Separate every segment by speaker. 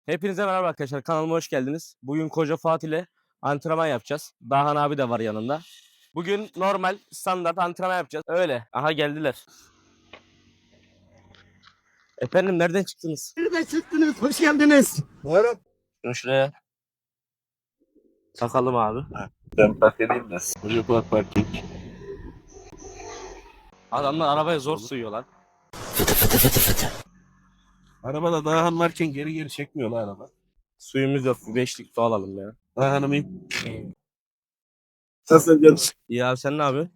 Speaker 1: Hepinize merhaba arkadaşlar. Kanalıma hoş geldiniz. Bugün Koca Fatih ile antrenman yapacağız. Dahan abi de var yanında. Bugün normal standart antrenman yapacağız. Öyle. Aha geldiler. Efendim nereden çıktınız?
Speaker 2: Nereden çıktınız? Hoş geldiniz.
Speaker 3: Buyurun.
Speaker 1: Şunu şuraya takalım abi.
Speaker 3: Ben park edeyim de. Çocuklar parking.
Speaker 1: Adamlar arabaya zor sığıyorlar.
Speaker 3: Arabada Dağhan varken geri geri çekmiyor lan araba.
Speaker 1: Suyumuz yok. Beşlik su alalım ya.
Speaker 3: Dağhan'ım iyiyim. Sen canım.
Speaker 1: İyi abi sen ne yapıyorsun?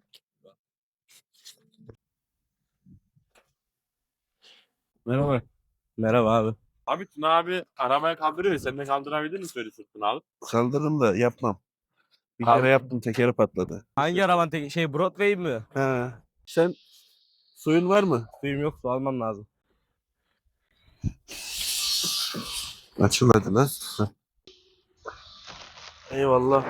Speaker 3: Merhaba.
Speaker 1: Merhaba abi.
Speaker 4: Abi Tuna abi arabaya kaldırıyor. Sen de kaldırabilir misin öyle sırtını abi?
Speaker 3: Kaldırırım da yapmam. Bir
Speaker 1: Abi.
Speaker 3: kere yaptım tekeri patladı.
Speaker 1: Hangi araban Broadway mi?
Speaker 3: Ha. Sen suyun var mı?
Speaker 1: Suyum yok, su almam lazım.
Speaker 3: Açıl hadi lan. Heh.
Speaker 1: Eyvallah.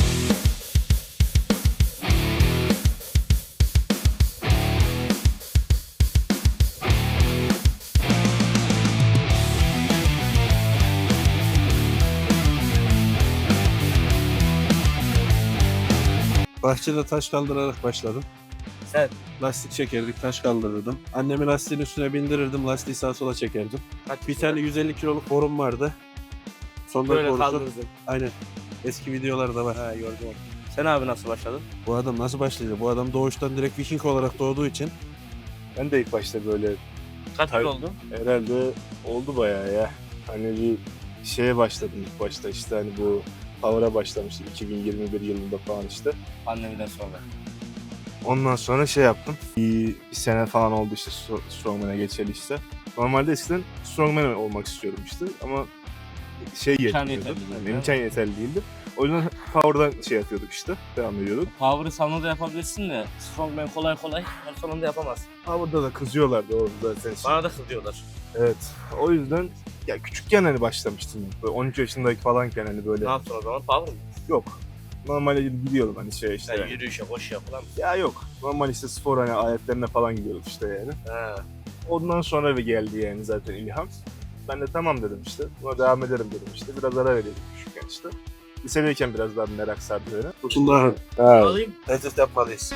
Speaker 3: Bahçede taş kaldırarak başladım.
Speaker 1: Sen?
Speaker 3: Lastik çekerdik, taş kaldırırdım. Annemi lastiğin üstüne bindirirdim, lastiği sağa sola çekerdim. Bir tane 150 kiloluk borum vardı. Sonunda
Speaker 1: Böyle
Speaker 3: borusu-
Speaker 1: kaldırırsın.
Speaker 3: Aynen. Eski videolarda var.
Speaker 1: Ha gördüm onu. Sen abi nasıl başladın?
Speaker 3: Bu adam nasıl başladı? Bu adam doğuştan direkt Viking olarak doğduğu için.
Speaker 4: Ben de ilk başta böyle
Speaker 1: Kaç
Speaker 4: Tabii.
Speaker 1: yıl oldu?
Speaker 4: herhalde oldu bayağı ya. Hani bir şeye başladım ilk başta işte hani bu Power'a başlamıştım 2021 yılında falan işte.
Speaker 1: Pandemiden sonra.
Speaker 4: Ondan sonra şey yaptım. Bir sene falan oldu işte Strongman'a geçeli işte. Normalde eskiden Strongman olmak istiyordum işte ama şey
Speaker 1: İmkan
Speaker 4: yetmiyordu.
Speaker 1: yeterli değil,
Speaker 4: Yani
Speaker 1: değil
Speaker 4: imkan yeterli değildi. O yüzden Power'dan şey yapıyorduk işte. Devam ediyorduk.
Speaker 1: Power'ı salonda yapabilirsin de Strongman kolay kolay her salonda yapamaz.
Speaker 4: Power'da da kızıyorlardı oğlum zaten.
Speaker 1: Bana da kızıyorlar.
Speaker 4: Evet. O yüzden ya küçükken hani başlamıştım. Böyle 13 yaşındaki falanken hani böyle
Speaker 1: Ne yaptın o zaman? Power mı?
Speaker 4: yok. Normalde gidiyordum hani şey işte.
Speaker 1: Yani
Speaker 4: Yani.
Speaker 1: yürüyüşe, koşuya falan.
Speaker 4: Ya yok. Normal işte spor hani aletlerine falan gidiyorduk işte yani.
Speaker 1: He.
Speaker 4: Ondan sonra bir geldi yani zaten ilham. Ben de tamam dedim işte. Buna devam ederim dedim işte. Biraz ara veriyordum küçükken işte. Lisedeyken biraz daha merak sardı beni.
Speaker 3: Tutullah.
Speaker 1: Alayım.
Speaker 3: Test yapmalıyız.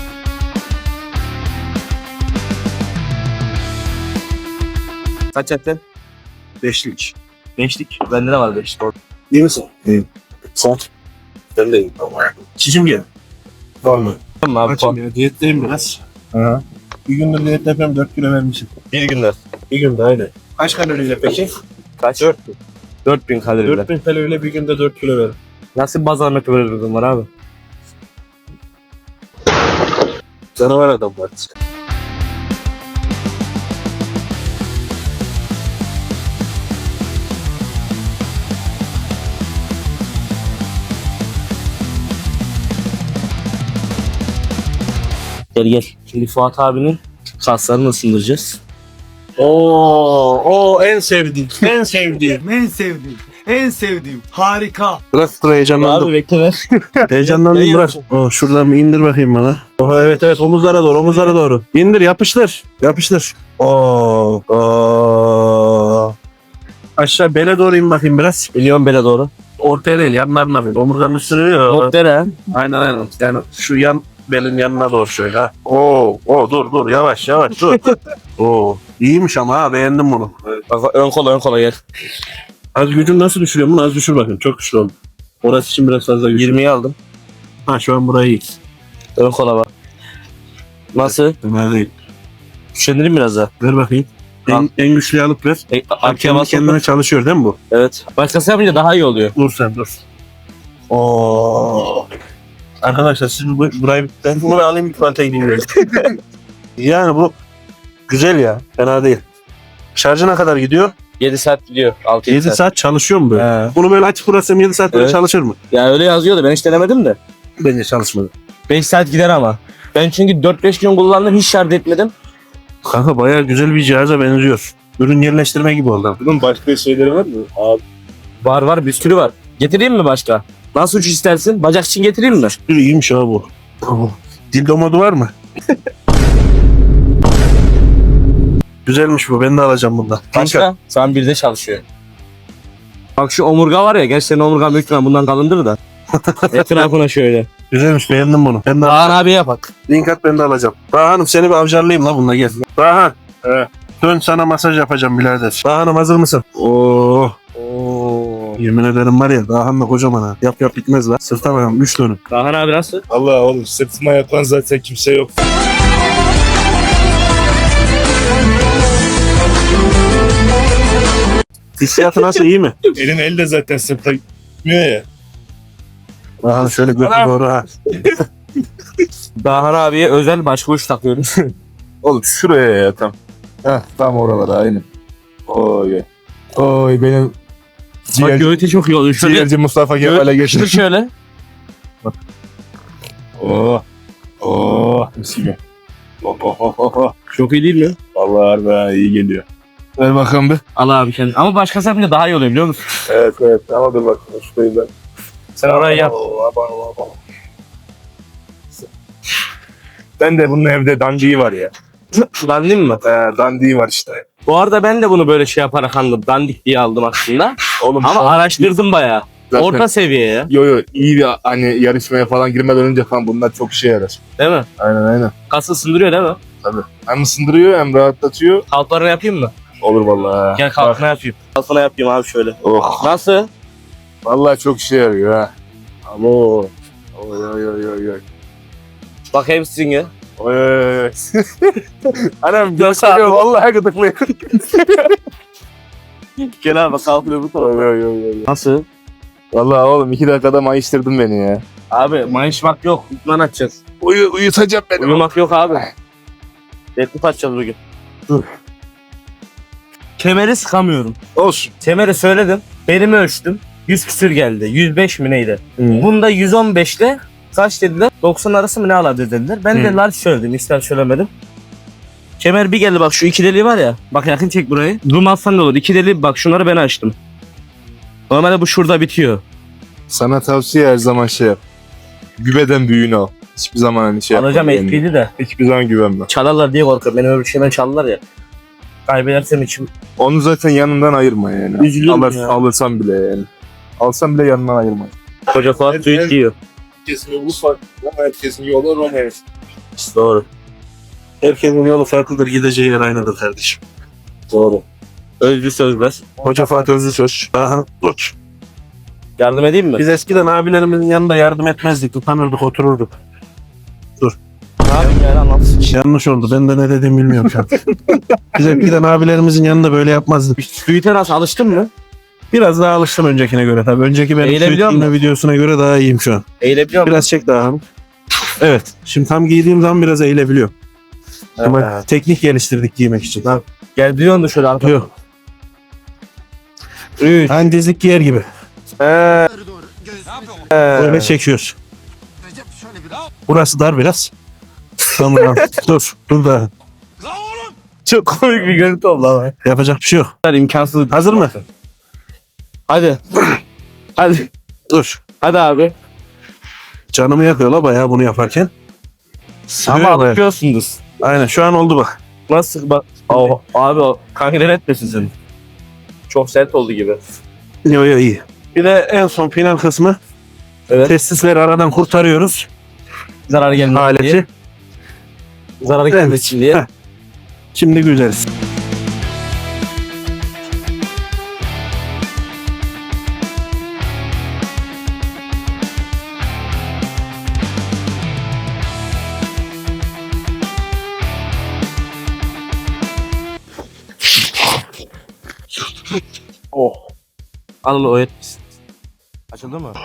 Speaker 1: Kaç ettin?
Speaker 3: Beşlik.
Speaker 1: Beşlik. Bende de var beşlik.
Speaker 3: İyi misin? İyiyim. Sen? Ben de iyiyim. Çişim gel. Normal.
Speaker 1: Tamam abi.
Speaker 3: Açım ya. Diyetteyim biraz.
Speaker 1: Hı.
Speaker 3: Bir gündür diyet yapıyorum. 4 kilo vermişim.
Speaker 1: Bir günde.
Speaker 3: Bir günde aynen. Kaç kaloriyle peki?
Speaker 1: Kaç? 4000. 4000 kaloriyle.
Speaker 3: 4000 kaloriyle bir günde 4 kilo ver.
Speaker 1: Nasıl bir bazarmak böyle bir durum var abi?
Speaker 3: Canavar adam var.
Speaker 1: Gel gel. Şimdi Fuat abinin kaslarını ısındıracağız.
Speaker 3: Oo, en sevdiğim. En sevdiğim.
Speaker 2: En sevdiğim. En sevdiğim. Harika.
Speaker 3: Bırak dur heyecanlandım.
Speaker 1: Abi bekle ver.
Speaker 3: Heyecanlandım bırak. Oh, şuradan bir indir bakayım bana. Oh, evet evet omuzlara doğru omuzlara doğru. İndir yapıştır. Yapıştır. Oo. Oo. Aşağı bele doğru in bakayım biraz.
Speaker 1: Milyon bele doğru.
Speaker 3: Ortaya değil yanlarına bir. Omurganın üstüne değil.
Speaker 1: Noktere.
Speaker 3: Aynen aynen. Yani şu yan belin yanına doğru şöyle ha. Dur yavaş yavaş dur. Oo. İyiymiş ama ha beğendim bunu.
Speaker 1: Bak ön kola gel.
Speaker 3: Az gücün nasıl düşürüyor bunu? Az düşür bakayım. Çok güçlü oldu. Orası için biraz fazla güçlü.
Speaker 1: 20'yi aldım.
Speaker 3: Ha şu an burayı iyi.
Speaker 1: Ön kola bak. Nasıl?
Speaker 3: Ömer değil.
Speaker 1: Üşendireyim biraz daha.
Speaker 3: Ver bakayım. En güçlüyü alıp ver.
Speaker 1: Arkaya
Speaker 3: Kendi
Speaker 1: bas.
Speaker 3: kendine çalışıyor değil mi bu?
Speaker 1: Evet. Başkası yapınca daha iyi oluyor.
Speaker 3: Dur sen dur. Oo. Arkadaşlar siz burayı ben bunu alayım bir tuvalete gideyim. Yani bu güzel ya. Fena değil. Şarjı ne kadar gidiyor?
Speaker 1: 7 saat gidiyor. 6
Speaker 3: 7 saat çalışıyor mu böyle?
Speaker 1: He.
Speaker 3: Bunu böyle açıp burası 7 saat böyle
Speaker 1: Evet.
Speaker 3: çalışır mı?
Speaker 1: Ya öyle yazıyordu. Ben hiç denemedim de.
Speaker 3: Bence çalışmadı.
Speaker 1: 5 saat gider ama. Ben çünkü 4-5 gün kullandım. Hiç şarj etmedim.
Speaker 3: Kanka bayağı güzel bir cihaza benziyor. Ürün yerleştirme gibi oldu.
Speaker 4: Bunun başka şeyleri var mı? Abi
Speaker 1: Var bir sürü var. Getireyim mi başka? Nasıl uç istersin? Bacak için getireyim mi?
Speaker 3: Bir iyiymiş ha bu. Dildo modu var mı? Güzelmiş bu. Ben de alacağım bundan.
Speaker 1: Başka? Şu an 1'de çalışıyor. Bak şu omurga var ya. Gerçi senin omurgan büyük ihtimalle bundan kalındır da. Etrafına şöyle.
Speaker 3: Güzelmiş, beğendim bunu. Ben de
Speaker 1: Kaan abiye yapak.
Speaker 3: link at, ben de alacağım. Dahan'ım seni bir avcarlayayım la bununla, gel. Dahan.
Speaker 4: He.
Speaker 3: Dön, sana masaj yapacağım birader. Dahan'ım hazır mısın? Oo.
Speaker 1: Oo.
Speaker 3: Yemin ederim var ya, Dahan'la kocaman ha. Yap yap bitmez la. Sırta bakalım 3 dönüm.
Speaker 1: Kaan abi nasıl?
Speaker 4: Allah oğlum sırtıma yapan zaten kimse yok.
Speaker 3: Hissiyatı nasıl, iyi mi?
Speaker 4: Elin el de zaten sırta gitmiyor ya.
Speaker 3: Dahan şöyle götü doğru ha.
Speaker 1: Dahan abiye özel başvuruş takıyoruz.
Speaker 4: Oğlum şuraya ya tam. Heh tam oralara aynen. Oy. Oy benim
Speaker 1: Bak göğüte çok iyi oluyor. Şöyle
Speaker 4: ciğerci Mustafa Kemal'e
Speaker 1: çıtır
Speaker 4: geçti.
Speaker 1: şöyle.
Speaker 4: Oo. Oo. Mis gibi.
Speaker 1: Çok iyi değil mi?
Speaker 4: Vallahi harbi iyi geliyor. Ver bakalım bir.
Speaker 1: Al abi kendin. Ama başkası yapınca daha iyi oluyor biliyor musun?
Speaker 4: Evet ama dur bak şurayı ben.
Speaker 1: Sen orayı yap.
Speaker 4: Ben de bunun evde dandiği var ya.
Speaker 1: Dandik mi?
Speaker 4: Dandiği var işte.
Speaker 1: Bu arada ben de bunu böyle şey yaparak aldım. Dandik diye aldım aslında.
Speaker 4: Oğlum
Speaker 1: Ama araştırdım bayağı.
Speaker 4: zaten,
Speaker 1: Orta seviye ya.
Speaker 4: yo iyi bir hani yarışmaya falan girmeden önce falan bunlar çok işe yarar.
Speaker 1: Değil mi?
Speaker 4: Aynen.
Speaker 1: Kası ısındırıyor değil mi?
Speaker 4: Hem ısındırıyor hem rahatlatıyor.
Speaker 1: Kalklarını yapayım mı?
Speaker 4: Olur vallahi.
Speaker 1: Gel kalkına yapayım. Kalkına yapayım abi şöyle.
Speaker 4: Oh.
Speaker 1: Nasıl?
Speaker 4: Vallahi çok işe yarıyor ha. Ama oy.
Speaker 1: Bak hepsini.
Speaker 4: Oy. Anam
Speaker 1: Nasıl abi?
Speaker 4: gösteriyor vallahi gıdıklıyor.
Speaker 1: Gel abi kalkıyor bu tarafa.
Speaker 4: Oy.
Speaker 1: Nasıl?
Speaker 4: Vallahi oğlum 2 dakikada mayıştırdın beni ya.
Speaker 1: Abi mayışmak yok. İtman atacağız.
Speaker 4: Uyutacağım beni.
Speaker 1: Uyumak yok abi. Deadlift atacağız bugün.
Speaker 4: Dur.
Speaker 1: Kemeri sıkamıyorum.
Speaker 4: Olsun.
Speaker 1: Kemeri söyledim. Belimi ölçtüm. 100 küsür geldi. 105 mi neydi? Bunda 115 ile kaç dediler? 90 arası mı ne ala dediler. Ben de large söyledim. İster söylemedim. Kemer bir geldi bak şu iki deliği var ya. Bak yakın çek burayı. Zoom alsan da olur. İki deliği bak şunları ben açtım. Normalde bu şurada bitiyor.
Speaker 4: Sana tavsiye her zaman şey yap. Güveden büyüğünü al. Hiçbir zaman hani şey yapma.
Speaker 1: Alacağım
Speaker 4: kendine.
Speaker 1: HP'li de.
Speaker 4: Hiçbir zaman güvenme.
Speaker 1: Çalarlar diye korkuyorum. Benim öyle bir şeyden çaldılar ya. Kaybedersem içim
Speaker 4: Onu zaten yanından ayırma yani.
Speaker 1: üzülüyorum ya.
Speaker 4: Alırsan bile yani. Alsan bile yanından ayırma.
Speaker 1: Koca Fuat suit giyiyor.
Speaker 4: Herkesin yolu farklı ama herkesin yolu Romeo.
Speaker 1: Doğru.
Speaker 3: Herkesin yolu farklıdır, gideceği yer aynıdır kardeşim.
Speaker 1: Doğru. Özlü sözler.
Speaker 3: Hoca Fatih Özlüsöz. Dahan dur.
Speaker 1: Yardım edeyim mi?
Speaker 3: Biz eskiden abilerimizin yanında yardım etmezdik, utanırdık, otururduk.
Speaker 1: Ne yapayım yani anlatsın.
Speaker 3: Yanlış oldu, ben de ne dediğimi bilmiyorum şu an. Biz eskiden abilerimizin yanında böyle yapmazdık.
Speaker 1: Suite'e nasıl alıştın mı?
Speaker 3: Biraz daha alıştım öncekine göre tabii. Önceki benim
Speaker 1: Eğilebiliyor
Speaker 3: giydiğim videosuna göre daha iyiyim şu an.
Speaker 1: Eğilebiliyor musun?
Speaker 3: Biraz çek Dahan. Evet. Şimdi tam giydiğim zaman biraz eğilebiliyorum. Ama teknik geliştirdik giymek için.
Speaker 1: Gel biliyorsun da şöyle arkaya.
Speaker 3: Yok.
Speaker 1: 3.
Speaker 3: Hani dizlik giyer gibi. Böyle çekiyoruz. Burası dar biraz. Tamam. Dur da.
Speaker 1: Çok komik bir görüntü oldu ama.
Speaker 3: Yapacak bir şey yok.
Speaker 1: İmkansız.
Speaker 3: Hazır mı?
Speaker 1: Hadi. Hadi.
Speaker 3: Dur.
Speaker 1: Hadi abi.
Speaker 3: Canımı yakıyor la bayağı bunu yaparken.
Speaker 1: Ama
Speaker 3: Sürüyor bayağı.
Speaker 1: alışıyorsunuz.
Speaker 3: Aynen şu an oldu bak.
Speaker 1: Nasıl bak. Oh, abi o kankiler etmesin seni. Çok sert oldu gibi.
Speaker 3: Yo iyi. Bir de en son final kısmı.
Speaker 1: Evet.
Speaker 3: Testisleri aradan kurtarıyoruz.
Speaker 1: Zarar gelmesin
Speaker 3: Aleti.
Speaker 1: diye. Zarar gelmesin diye.
Speaker 3: Heh. Şimdi güzeliz.
Speaker 1: Oh. Al o etmesin. Açıldı mı?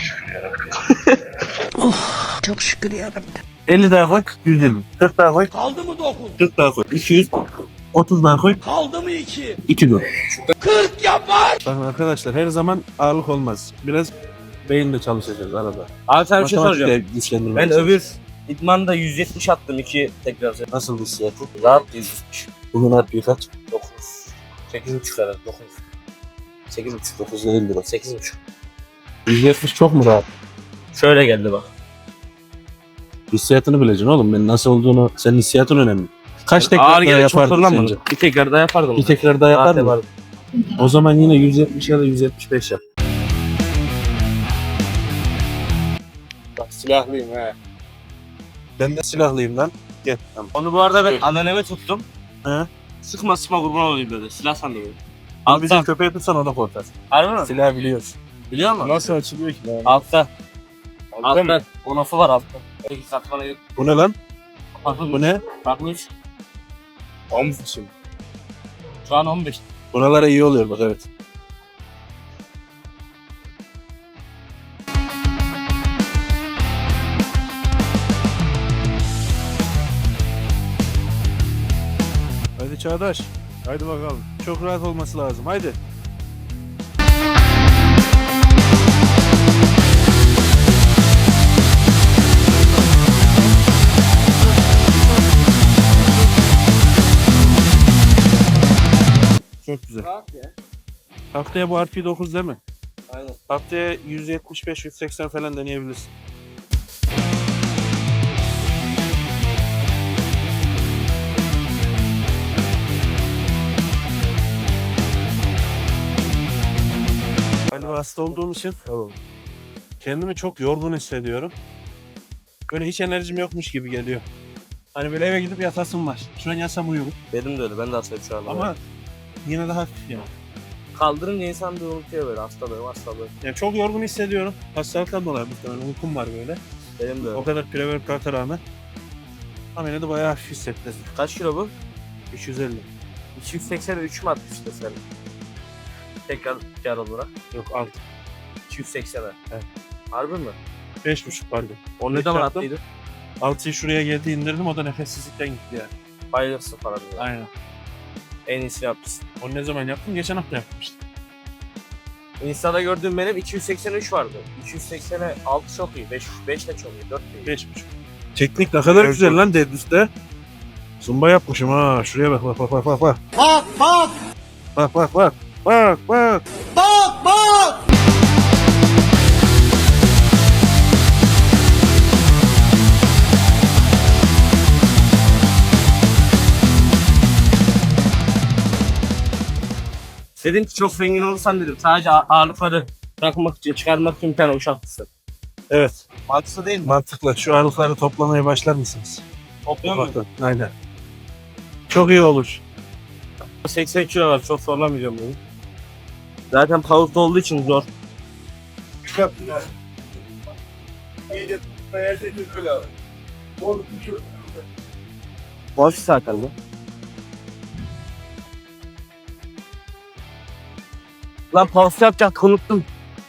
Speaker 5: Çok şükür yarabbim.
Speaker 3: 50 daha koy. 120. 40 daha koy. Kaldı mı 9? 40 daha koy. 200. 30 daha koy. Kaldı mı 2? 2 dur. 40 yapar. Bakın arkadaşlar her zaman ağırlık olmaz. Biraz beyinle çalışacağız arada.
Speaker 1: Abi sana bir şey
Speaker 3: Matematikle
Speaker 1: soracağım.
Speaker 3: güçlendirmek
Speaker 1: Ben
Speaker 3: için.
Speaker 1: öbür idmanda 170 attım 2 tekrar.
Speaker 3: Nasıl hissiyatı?
Speaker 1: Rahat 170.
Speaker 3: Bugün harbi kaç?
Speaker 1: 9. 8.5 herhalde 9. 8.5.
Speaker 3: 9 değildir o.
Speaker 1: 8.5.
Speaker 3: 170 çok mu rahat?
Speaker 1: Şöyle geldi bak.
Speaker 3: Hissiyatını bileceksin oğlum. Ben nasıl olduğunu, senin hissiyatın önemli. Kaç tekrar
Speaker 1: Ağır
Speaker 3: daha
Speaker 1: gene çok
Speaker 3: yapardın
Speaker 1: zorlanmadı.
Speaker 3: sence?
Speaker 1: Bir tekrar daha yapardım.
Speaker 3: Bir tekrar daha
Speaker 1: Rahat
Speaker 3: yapar mı?
Speaker 1: yapardım.
Speaker 3: O zaman yine 170 ya da 175 yap.
Speaker 4: Bak silahlıyım he.
Speaker 3: Ben de silahlıyım lan. Gel. Tamam.
Speaker 1: Onu bu arada ben anneanneme tuttum.
Speaker 3: He?
Speaker 1: Sıkma kurban olayım böyle. Silah sandım.
Speaker 3: Abi bizim
Speaker 1: Altta.
Speaker 3: köpeği tutsan o da korkar.
Speaker 1: Harbi mi?
Speaker 3: Silah biliyoruz.
Speaker 1: Biliyor musun?
Speaker 4: Nasıl açılıyor ki lan?
Speaker 1: Altta.
Speaker 4: Altta mı?
Speaker 1: Altta. O lafı var altta. Peki satmana yok.
Speaker 3: Bu ne lan?
Speaker 1: Bakmış.
Speaker 3: Bu ne?
Speaker 1: Bakmış.
Speaker 4: Omuz için.
Speaker 1: Şu an 15.
Speaker 3: Buralara iyi oluyor bak evet. Hadi Çağdaş.
Speaker 4: Haydi bakalım.
Speaker 3: Çok rahat olması lazım. Haydi. Çok güzel. Haftaya bu RP9 değil mi?
Speaker 1: Aynen.
Speaker 3: Haftaya 175-180 falan deneyebilirsin. Galiba hasta olduğum için kendimi çok yorgun hissediyorum. Böyle hiç enerjim yokmuş gibi geliyor. Hani böyle eve gidip yatasım var. Şu an yatsam uyurum.
Speaker 1: Benim de öyle. Ben de hastayım şu anda.
Speaker 3: Ama yine de hafif yani.
Speaker 1: kaldırınca insan bir unutuyor böyle hastalığım.
Speaker 3: Yani çok yorgun hissediyorum. Hastalıktan dolayı muhtemelen uykum var böyle.
Speaker 1: Benim de öyle.
Speaker 3: O kadar pre-workout'a rağmen. Ama yine de bayağı hafif hissettim.
Speaker 1: Kaç kilo bu?
Speaker 3: 350.
Speaker 1: 283 mi atmıştı sen? Tekrar kar olarak.
Speaker 3: Yok 6.
Speaker 1: 280'e.
Speaker 3: Evet.
Speaker 1: Harbi mi?
Speaker 3: 5,5 pardon.
Speaker 1: O ne
Speaker 3: Beş
Speaker 1: zaman
Speaker 3: yaptım.
Speaker 1: attıydı?
Speaker 3: 6'yı şuraya geldi indirdim o da nefessizlikten gitti yani.
Speaker 1: Bayılırsın falan diyor.
Speaker 3: Aynen.
Speaker 1: En iyisini yapmışsın.
Speaker 3: Onu ne zaman yaptım? Geçen hafta yapmıştım.
Speaker 1: Insta'da gördüğüm benim 283 vardı. 280'e 6 çok iyi. 5 de çok iyi. 4 de iyi.
Speaker 3: 5,5. Teknik ne kadar
Speaker 4: Evet,
Speaker 3: güzel lan deadlift'te. Zumba yapmışım ha. Şuraya bak bak bak bak bak. Bak
Speaker 2: Bak!
Speaker 3: bak bak bak. Bak bak.
Speaker 1: Dedim ki çok zengin olursan dedim. Sadece ağırlıkları bırakmak için, çıkarmak için bir tane uşak mısın?
Speaker 3: Evet.
Speaker 1: Mantıklı değil mi?
Speaker 3: Mantıklı. Şu ağırlıkları toplamaya başlar mısınız?
Speaker 1: Topluyor mu?
Speaker 3: Bakın. Aynen. Çok iyi olur.
Speaker 1: 80 kilo var. Çok zorlamayacağım bunu. Zaten power'da olduğu için zor. Boş zaten bu. Lan pause yapacaktık unuttum.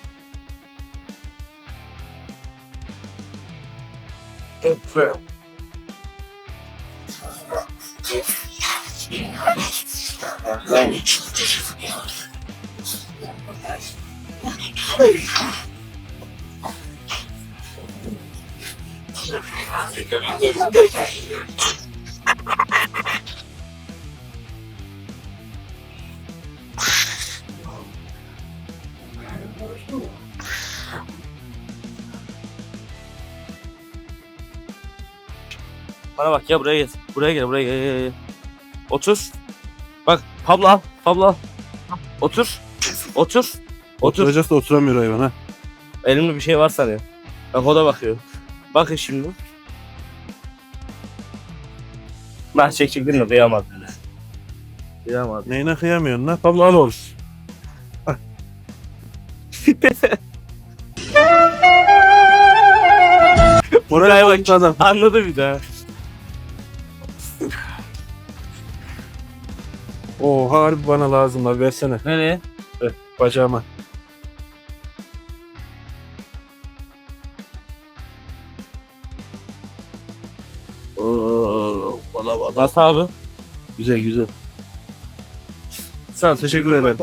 Speaker 1: Bana bak ya buraya gel. Buraya gel, buraya gel. Otur. Bak Pablo al. Pablo al. Otur. Otur. Otur.
Speaker 3: Oturacağız da oturamıyor hayvan ha.
Speaker 1: Elimde bir şey var sanıyor. Bak o da bakıyor. Bakın şimdi. Ben çekecektim de kıyamadım. Kıyamadım.
Speaker 3: Neyine kıyamıyorsun lan? Pablo al oğlum.
Speaker 1: Buraya bak.
Speaker 3: Adam.
Speaker 1: Anladı bir daha.
Speaker 3: Oo harbi bana lazım lan versene.
Speaker 1: Nereye?
Speaker 3: Bacağıma. Oo, bana bak.
Speaker 1: Nasıl abi?
Speaker 3: Güzel güzel.
Speaker 1: Sağ ol, teşekkür ederim.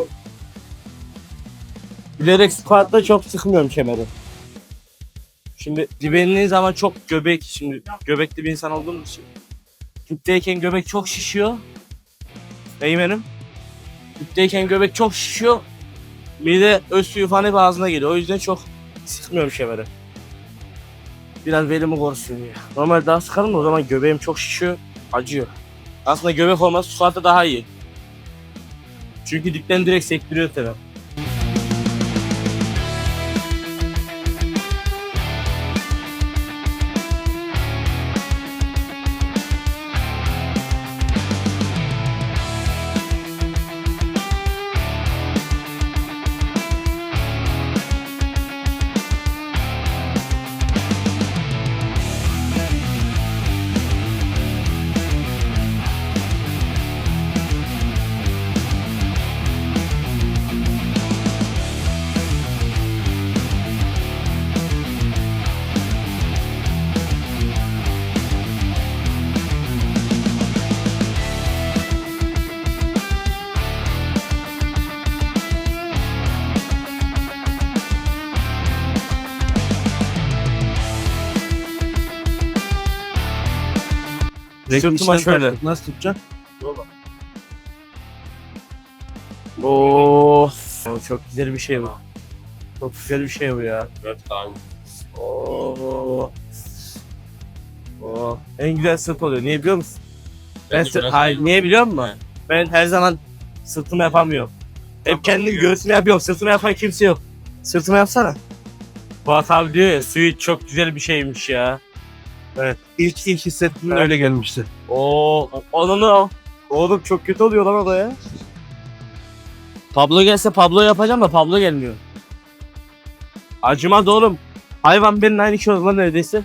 Speaker 1: Bilerek squat'ta çok sıkmıyorum kemeri. Şimdi dibenliğin zaman çok göbek, şimdi göbekli bir insan olduğumuz için. Tüpteyken göbek çok şişiyor. Beymenim. Tüpteyken göbek çok şişiyor. Bir de öz suyu falan hep ağzına geliyor. O yüzden çok sıkmıyorum kemeri. Biraz belimi korusun diye. Normalde daha sıkarım da o zaman göbeğim çok şişiyor, acıyor. Aslında göbek olması squat'ta daha iyi. Çünkü dipten direkt sektiriyor tabii. Sırtıma şöyle.
Speaker 3: Nasıl tutacaksın?
Speaker 1: Oo, çok güzel bir şey bu. Çok güzel bir şey bu ya. Oo. Oo. En güzel sırt oluyor. Niye biliyor musun? Hayır, niye biliyor musun? Ben her zaman sırtımı yapamıyorum. Hep kendim göğsümü yapıyorum. Sırtımı yapan kimse yok. Sırtımı yapsana. Fuat abi diyor ya, suyu çok güzel bir şeymiş ya.
Speaker 3: İlk hissettiğimde öyle gelmişti.
Speaker 1: Oo, onu oğlum çok kötü oluyor lan o da ya. Pablo gelse Pablo yapacağım da Pablo gelmiyor. Acımaz oğlum. Hayvan benim aynı şey oldu lan neredeyse.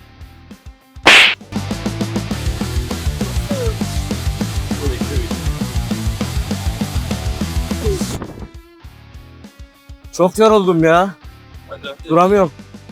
Speaker 1: Çok yoruldum ya. Duramıyorum.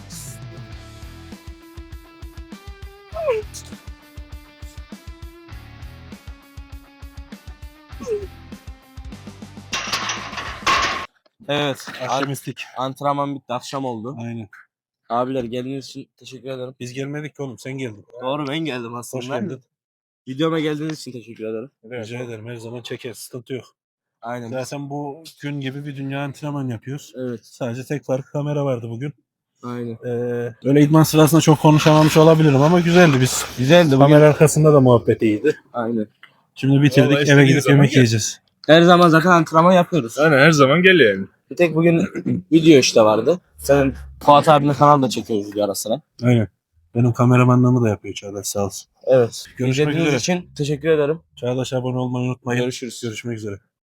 Speaker 1: Evet.
Speaker 3: Akşamüstlük.
Speaker 1: Antrenman bitti. Akşam oldu.
Speaker 3: Aynen.
Speaker 1: Abiler geldiğiniz için teşekkür ederim.
Speaker 3: Biz gelmedik ki oğlum, sen geldin.
Speaker 1: Doğru, ben geldim aslında.
Speaker 3: Hoş geldin.
Speaker 1: Videoma geldiğiniz için teşekkür ederim.
Speaker 3: Rica ederim, her zaman çekeriz, sıkıntı yok.
Speaker 1: Aynen.
Speaker 3: Zaten bu gün gibi bir dünya antrenman yapıyoruz.
Speaker 1: Evet.
Speaker 3: Sadece tek farkı kamera vardı bugün.
Speaker 1: Aynen.
Speaker 3: Öyle idman sırasında çok konuşamamış olabilirim ama güzeldi biz.
Speaker 1: Güzeldi bugün.
Speaker 3: Kamera arkasında da muhabbet iyiydi.
Speaker 1: Aynen.
Speaker 3: Şimdi bitirdik,
Speaker 4: Vallahi
Speaker 3: eve
Speaker 4: istediğin
Speaker 3: gidip
Speaker 4: zaman
Speaker 3: yemek
Speaker 4: gel.
Speaker 3: yiyeceğiz.
Speaker 1: Her zaman zaten antrenman yapıyoruz.
Speaker 4: Aynen, her zaman gel yani.
Speaker 1: Bir tek bugün video işte vardı. Senin Fuat abinin kanalda çekiyoruz video ara sıra.
Speaker 3: Aynen. Benim kameramanlığımı da yapıyor Çağdaş, sağ olsun.
Speaker 1: Evet.
Speaker 3: Görüşmek
Speaker 1: İzlediğiniz
Speaker 3: üzere.
Speaker 1: için teşekkür ederim.
Speaker 3: Çağdaş, abone olmayı unutmayın.
Speaker 1: Görüşürüz.
Speaker 3: Görüşmek üzere.